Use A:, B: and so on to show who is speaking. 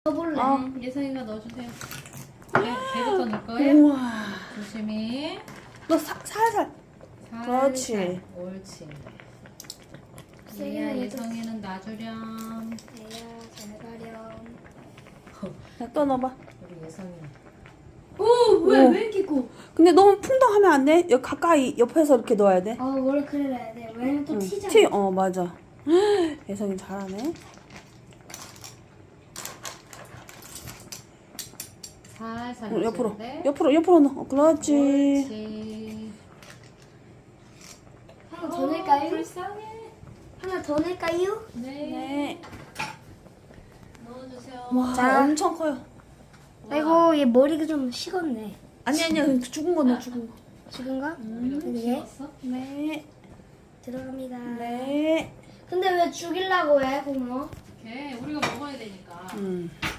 A: 넣어볼래.
B: 예성이가 넣어주세요. 네, 배부터 넣을 거예요.
C: 우와.
B: 조심히.
C: 너 살살. 그렇지.
B: 살살. 옳지.
A: 세게
B: 얘야
A: 넣어줘.
B: 예성이는 놔주렴.
A: 애야 잘 가렴.
C: 자, 또 넣어봐.
B: 우리 예성이.
A: 왜 이렇게 고?
C: 근데 너무 풍덩하면 안 돼. 여기 가까이 옆에서 이렇게 넣어야 돼.
A: 원래 그래야 돼. 왜냐면 또
C: 응.
A: 튀잖아.
C: 맞아. 예성이 잘하네.
B: 살살
C: 옆으로.
B: 넣어주는데.
C: 옆으로 넣어. 그렇지.
B: 옳지.
A: 하나 더 넣을까요?
B: 불쌍해.
A: 하나 더 넣을까요?
B: 네.
C: 네.
B: 넣어주세요.
C: 와,
A: 자.
C: 엄청 커요.
A: 아이고 얘 머리가 좀 식었네.
C: 아니야. 죽은 거 넣어, 죽은 거.
A: 지금가?
B: 우리가 좀
A: 예.
B: 식었어?
C: 네.
A: 들어갑니다.
C: 네.
A: 근데 왜 죽이려고 해, 고모?
B: 오케이. 우리가 먹어야 되니까.